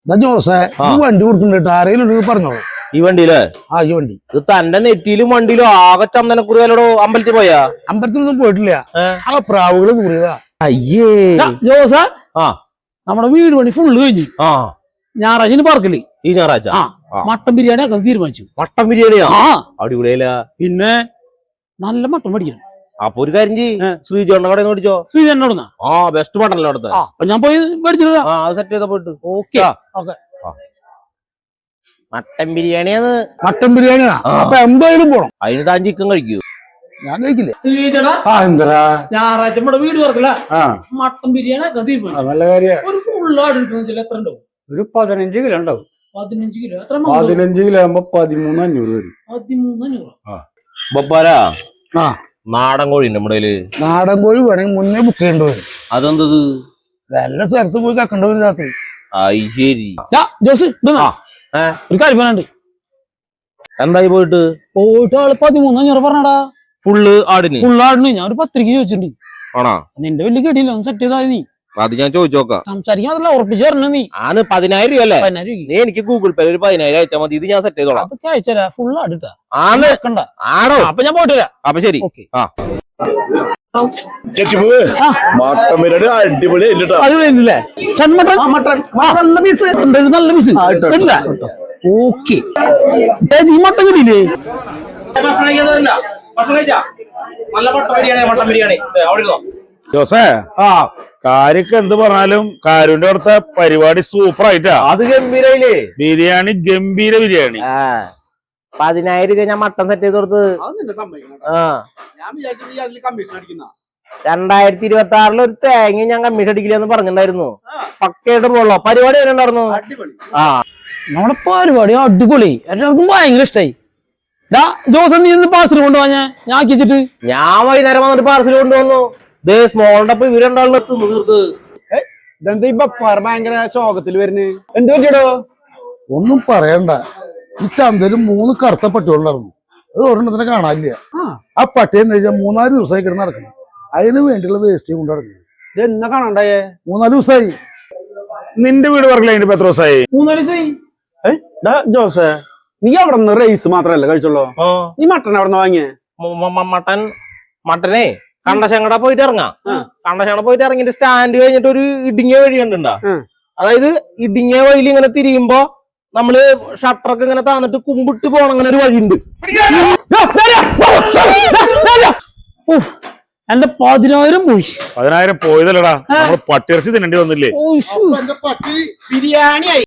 ജോസേ ഈ വണ്ടി കൊടുക്കുന്നുണ്ട് ആരെങ്കിലും പറഞ്ഞോളൂ. ഈ വണ്ടിയില് ഈ വണ്ടി ഇത് തന്റെ നെറ്റിയിലും വണ്ടിയിലും ആകെ ചന്ദനക്കുറിയാലോടോ. അമ്പലത്തിൽ പോയാ? അമ്പലത്തിലൊന്നും പോയിട്ടില്ല. ആ പ്രാവുകള് കൂറിയതാ. അയ്യേ ജോസ നമ്മുടെ വീട് പണി ഫുള്ള് കഴിഞ്ഞു. ഞായറാഴ്ച പാർക്കില് ഈ ഞായറാഴ്ച മട്ടൻ ബിരിയാണി ആക്കാൻ തീരുമാനിച്ചു. മട്ടൻ ബിരിയാണിയാ? അടിപൊളിയല്ല. പിന്നെ നല്ല മട്ടൻ മേടിക്കണം. അപ്പൊ ഒരു കാര്യം ചെയ്യ്, ശ്രീജോണ്ണ കടയിൽ നിന്ന് മേടിച്ചോ. ശ്രീജോണ്ണ ബെസ്റ്റ് മട്ടനല്ലോ അവിടുത്തെ. അപ്പൊ ഞാൻ പോയി മേടിച്ചിട്ടാ. അത് സെറ്റ് ചെയ്താ പോയിട്ട്. ഓക്കെ മട്ടൻ ബിരിയാണിയാണ്. മട്ടൻ ബിരിയാണിയാ? അപ്പൊ എന്തായാലും പോണം. അതിന് താൻ ചിക്കൻ കഴിക്കൂ? ഞാൻ കഴിക്കില്ലേ. ഞായറാഴ്ച നമ്മുടെ വീട് തുറക്കില്ല, മട്ടൻ ബിരിയാണി ആക്കാൻ തീരുമാനിച്ചു. നല്ല കാര്യം. ഒരു ഫുള്ളായിട്ട് എത്ര ഉണ്ടാവും? ഒരു 15 കിലോ ഉണ്ടാവും. 15 കിലോ? എത്ര? 15 കിലോ ആകുമ്പോ 13,500 വരും. 13,500. നാടൻ കോഴി നമ്മുടെ നാടൻ കോഴി വേണമെങ്കിൽ മുന്നേ ബുക്ക് ചെയ്യേണ്ടി വരും. അതെന്തത്? വല്ല സ്ഥലത്ത് പോയി കക്കണ്ട വരും രാത്രി. ശരി ജോസ് ഒരു കാര്യം പറയാനുണ്ട്. എന്തായി പോയിട്ട് ആള് 13,500 പറഞ്ഞടാ. ഫുള്ളാടിന് ഞാൻ ഒരു 10 ചോദിച്ചിട്ടുണ്ട്. ആണോ? നിന്റെ വലിയ കേട്ടില്ല, ഒന്ന് സെറ്റ് ചെയ്താൽ നീ. അത് ഞാൻ ചോദിച്ചോക്കാം. സംസാരിക്കാൻ അതല്ല, ഉറപ്പിച്ചു തരണ നീ. 10,000 രൂപ അല്ലേ? 10,000 നീ എനിക്ക് ഗൂഗിൾ പേ ഒരു 10,000 അയച്ചാൽ മതി. ഇത് ഞാൻ സെറ്റ് ചെയ്തോളാം. അതൊക്കെ അയച്ചാ ഫുള്ള് അടുത്താ. ആണോ? അപ്പൊ ഞാൻ പോയിട്ട് വരാം. അപ്പൊ ശരി. അടിപൊളിയല്ലേ നല്ല പീസ്? നല്ല പീസ് ഓക്കെ. ഈ മട്ടൻ കിട്ടിയില്ലേ? ജോസേ കാര്യക്ക് എന്ത് പറഞ്ഞാലും കാരുന്റെ അവിടുത്തെ പരിപാടി സൂപ്പർ ആയിട്ടാ. അത് ഗംഭീരയില്ലേ? ബിരിയാണി ഗംഭീര ബിരിയാണി. 10,000 രൂപ ഞാൻ മട്ടൻ സെറ്റ് ചെയ്ത് കൊടുത്ത്. 2026 ഒരു തേങ്ങ ഞാൻ കമ്മീഷൻ അടിക്കില്ലെന്ന് പറഞ്ഞിട്ടുണ്ടായിരുന്നു. പക്കയായിട്ട് പോളോ. പരിപാടി എങ്ങനെ ഉണ്ടായിരുന്നു? നമ്മുടെ പരിപാടി അടിപൊളി. എല്ലാവർക്കും ഭയങ്കര ഇഷ്ടായി. ജോസ് നീ പാർസൽ കൊണ്ടുപോവാ? ഞാൻ ആക്കിച്ചിട്ട് ഞാൻ വൈകുന്നേരം വന്നിട്ട് പാർസൽ കൊണ്ടുവന്നു. സ്മോളിന്റെ ഒപ്പം ഇവരുണ്ടാവുള്ള തീർത്ത്. ഇതെന്താ ഇപ്പൊ ഭയങ്കര ശോകത്തിൽ വരുന്നത്? എന്ത് പറ്റിയടോ? ഒന്നും പറയണ്ട. ഈ ചന്തയില് 3 കറുത്ത പട്ടികളുണ്ടായിരുന്നു. അത് ഒരെണ്ണത്തിനെ കാണാനില്ല. ആ പട്ടിയെന്ന് വെച്ചാൽ 3-4 ദിവസമായി കിടന്ന് നടക്കണം. അതിന് വേണ്ടിയുള്ള വേസ്റ്റ് കൊണ്ട് നടക്കുന്നത്. ഇത് എന്നാ കാണണ്ടായേ? 3-4 ദിവസമായി. നിന്റെ വീട് പറഞ്ഞില്ല അതിന്റെ എത്ര ദിവസമായി? 3-4 ദിവസമായി. ജോസേ നീ അവിടെ നിന്ന് റൈസ് മാത്രല്ല കഴിച്ചോളൂ. നീ മട്ടൻ അവിടെ നിന്ന് വാങ്ങിയേ? മട്ടനെ കണ്ടശങ്കട പോയിട്ട് ഇറങ്ങാം. കണ്ടശങ്കട പോയിട്ട് ഇറങ്ങിട്ട് സ്റ്റാൻഡ് കഴിഞ്ഞിട്ട് ഒരു ഇടുങ്ങിയ വഴി കണ്ടുണ്ടാ. അതായത് ഇടുങ്ങിയ വഴിയിൽ ഇങ്ങനെ തിരിയുമ്പോ നമ്മള് ഷട്ടറൊക്കെ ഇങ്ങനെ താന്നിട്ട് കുമ്പിട്ട് പോണ അങ്ങനെ ഒരു വഴിയുണ്ട്. എന്റെ 10,000 പോയി. 10,000 പോയതല്ലടാ, നമ്മള് പട്ടിയിറച്ചി തിന്നേണ്ടി വന്നില്ലേ? ബിരിയാണി ആയി.